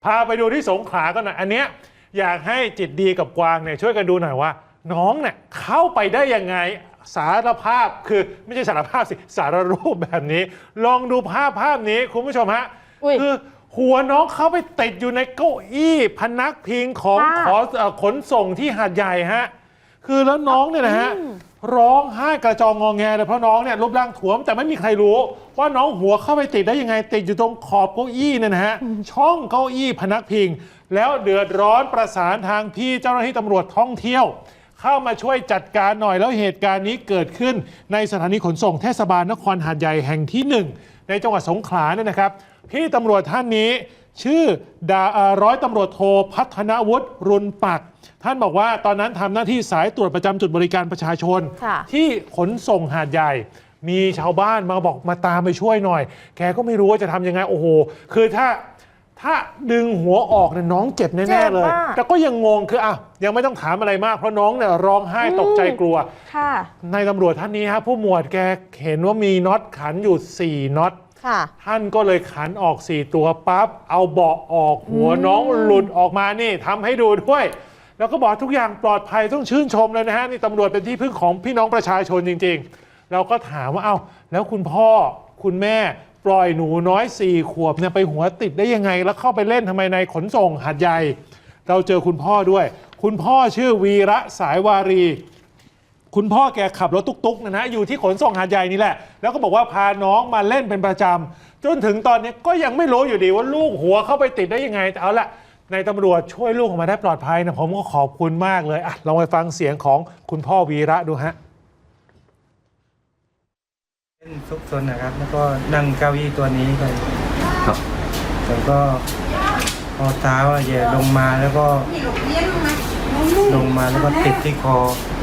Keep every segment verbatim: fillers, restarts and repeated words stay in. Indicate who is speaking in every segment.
Speaker 1: พาไปดูที่สงขลากันหน่อยอันเนี้ยอยากให้จิตดีกับกวางเนี่ยช่วยกันดูหน่อยว่าน้องเนี่ยเข้าไปได้ยังไงสารภาพคือไม่ใช่สารภาพสิสารรูปแบบนี้ลองดูภาพภาพนี้คุณผู้ชมฮะคือหัวน้องเข้าไปติดอยู่ในเก้าอี้พนักพิงของขอขนส่งที่หาดใหญ่ฮะคือแล้วน้องเนี่ยนะฮะร้องไห้กระจองงอแงเลยเพราะน้องเนี่ยรูปร่างถ่วมแต่ไม่มีใครรู้ว่าน้องหัวเข้าไปติดได้ยังไงติดอยู่ตรงขอบเก้าอี้เนี่ยนะฮะช่องเก้าอี้พนักพิงแล้วเดือดร้อนประสานทางพี่เจ้าหน้าที่ตำรวจท่องเที่ยวเข้ามาช่วยจัดการหน่อยแล้วเหตุการณ์นี้เกิดขึ้นในสถานีขนส่งเทศบาลนครหาดใหญ่แห่งที่หนึ่งในจังหวัดสงขลาเนี่ยนะครับพี่ตำรวจท่านนี้ชื่อดาร้อยตำรวจโทพัฒนวุฒิรุนปักท่านบอกว่าตอนนั้นทำหน้าที่สายตรวจประจำจุดบริการประชาชนที่ขนส่งหาดใหญ่มีชาวบ้านมาบอกมาตามไปช่วยหน่อยแกก็ไม่รู้ว่าจะทำยังไงโอ้โหคือถ้าถ้าดึงหัวออกเนี่ยน้องเจ็บแน่ๆเลยแต่ก็ยังงงคืออ่ะยังไม่ต้องถามอะไรมากเพราะน้องเนี่ยร้องไห้ตกใจกลัวในตำรวจท่านนี้ฮะผู้หมวดแกเห็นว่ามีน็อตขันอยู่สี่น็อตท่านก็เลยขันออกสี่ตัวปั๊บเอาเบาะออกหัวน้องหลุดออกมานี่ทำให้ดูด้วยแล้วก็บอกทุกอย่างปลอดภัยต้องชื่นชมเลยนะฮะนี่ตำรวจเป็นที่พึ่งของพี่น้องประชาชนจริงๆเราก็ถามว่าเอ้าแล้วคุณพ่อคุณแม่ปล่อยหนูน้อยสี่ขวบเนี่ยไปหัวติดได้ยังไงแล้วเข้าไปเล่นทำไมในขนส่งหาดใหญ่เราเจอคุณพ่อด้วยคุณพ่อชื่อวีระสายวารีคุณพ่อแกขับรถตุ๊กๆนะนะอยู่ที่ขนส่งหาดใหญ่นี่แหละแล้วก็บอกว่าพาน้องมาเล่นเป็นประจำจนถึงตอนนี้ก็ยังไม่รู้อยู่ดีว่าลูกหัวเข้าไปติดได้ยังไงแต่เอาละในตำรวจช่วยลูกออกมาได้ปลอดภัยนะผมก็ขอบคุณมากเลยอ่ะลองไปฟังเสียงของคุณพ่อวีระดูฮะ
Speaker 2: เล่นซุกซนนะครับแล้วก็นั่งเก้าอี้ตัวนี้ไปครับแล้วก็พอเท้าแย่ลงมาแล้วก็ลงมาแล้วก็ติดที่คอ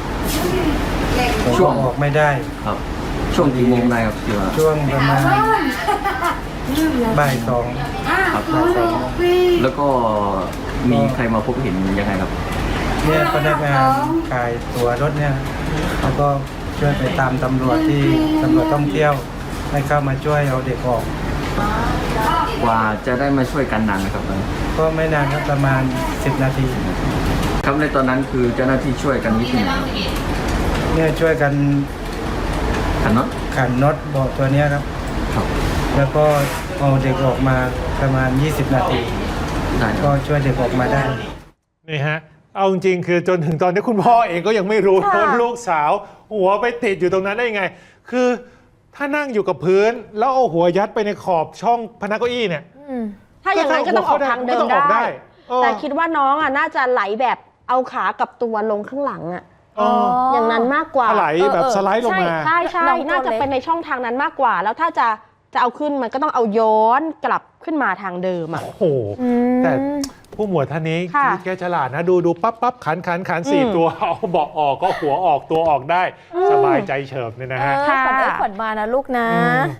Speaker 2: ช่วงออกไม่ได้
Speaker 3: ครับช่วงกี่โมงได้ครับที่ว่า
Speaker 2: ช่วงประมาณบ่ายสอง
Speaker 3: ครับบ่ายสองแล้วก็มีใครมาพบเห็นยังไงครับ
Speaker 2: เนี่ยพนักงานขายตั๋วรถเนี่ยแล้วก็ช่วยไปตามตำรวจที่ตำรวจท่องเที่ยวให้เข้ามาช่วยเอาเด็กออก
Speaker 3: ว่าจะได้มาช่วยกันนานนะครับ
Speaker 2: ก็ไม่นานครับประมาณสิบนาที
Speaker 3: ครับในตอนนั้นคือเจ้าหน้าที่ช่วยกันวิธีไหนครับ
Speaker 2: เนี่ยช่วยกัน
Speaker 3: ขันน็อต
Speaker 2: ขันน็อตเบาะตัวนี้ครับครับแล้วก็เอาเด็กออกมาประมาณยี่สิบนาทีก็ช่วยเด็กออกมาได้
Speaker 1: นี่ฮะเอาจริงคือจนถึงตอนนี้คุณพ่อเองก็ยังไม่รู้ว่าลูกสาวหัวไปติดอยู่ตรงนั้นได้ยังไงคือถ้านั่งอยู่กับพื้นแล้วเอาหัวยัดไปในขอบช่องพนักเก้าอี้เนี่ย
Speaker 4: ถ้าอย่างนั้นก็ต้องออกทางเดิมได้แต่คิดว่าน้องอ่ะน่าจะไหลแบบเอาขากับตัวลงข้างหลังอ่ะอย่างนั้นมากกว่า
Speaker 1: ไหลแบบสไลด์ลงมา
Speaker 4: ใช่ใช่น่าจะเป็นในช่องทางนั้นมากกว่าแล้วถ้าจะจะเอาขึ้นมันก็ต้องเอาย้อนกลับขึ้นมาทางเดิมอ่ะ
Speaker 1: โอ้โหแต่ผู้หมวดท่านนี้แกฉลาดนะดูดูปั๊บปั๊บขันขันขันสี่ตัวเอาเบาะออกก็หัวออกตัวออกได้สบายใจเฉิบเนี่ยนะฮะ
Speaker 4: ขวัญเอ้ยขวัญมานะลูกนะ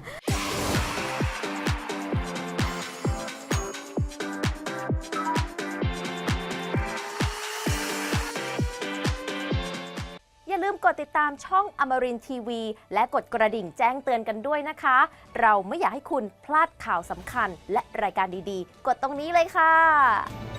Speaker 5: อย่าลืมกดติดตามช่องอมรินทร์ทีวีและกดกระดิ่งแจ้งเตือนกันด้วยนะคะเราไม่อยากให้คุณพลาดข่าวสำคัญและรายการดีๆกดตรงนี้เลยค่ะ